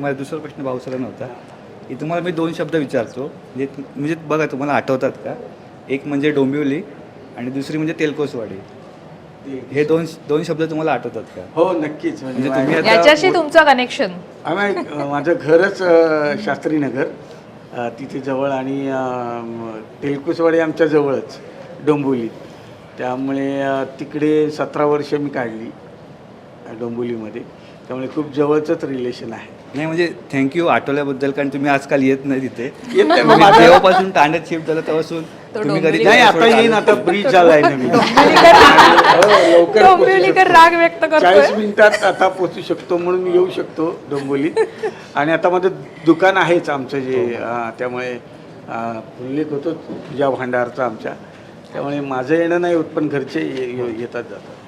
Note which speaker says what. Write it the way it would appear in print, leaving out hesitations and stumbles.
Speaker 1: माझा दुसरा प्रश्न भाऊसरांना होता की तुम्हाला मी 2 शब्द विचारतो, म्हणजे बघा तुम्हाला आठवतात का? एक म्हणजे डोंबिवली आणि दुसरी म्हणजे तेलकोसवाडी. हे दोन शब्द तुम्हाला आठवतात का?
Speaker 2: हो नक्कीच.
Speaker 1: म्हणजे तुम्ही आता
Speaker 3: याच्याशी तुमचं कनेक्शन?
Speaker 2: माझं घरच शास्त्रीनगर तिथे जवळ आणि तेलकुसवाडी आमच्या जवळच डोंबिवली. त्यामुळे तिकडे 17 वर्ष मी काढली डोंबिवलीमध्ये. त्यामुळे खूप जवळचंच रिलेशन आहे.
Speaker 1: नाही म्हणजे थँक्यू आठवल्याबद्दल, कारण तुम्ही आजकाल येत नाही तिथे.
Speaker 2: येत नाही
Speaker 1: तुम्ही जेव्हापासून ठाण्यात शिफ्ट झालं तेव्हापासून तुम्ही कधी
Speaker 2: नाही, आता येईन, आता ब्रिज झालाय नवीन. लवकर
Speaker 3: डोंबिवलीकर राग व्यक्त करतोय.
Speaker 2: 40 मिनिटात आता पोचू शकतो म्हणून येऊ शकतो डोंबिवलीत. आणि आता माझं दुकान आहेच आमचं जे त्यामुळे उल्लेख होतो तुझ्या भांडारचा आमच्या. त्यामुळे माझं येणं नाही होत, पण घरचे येतात जातात.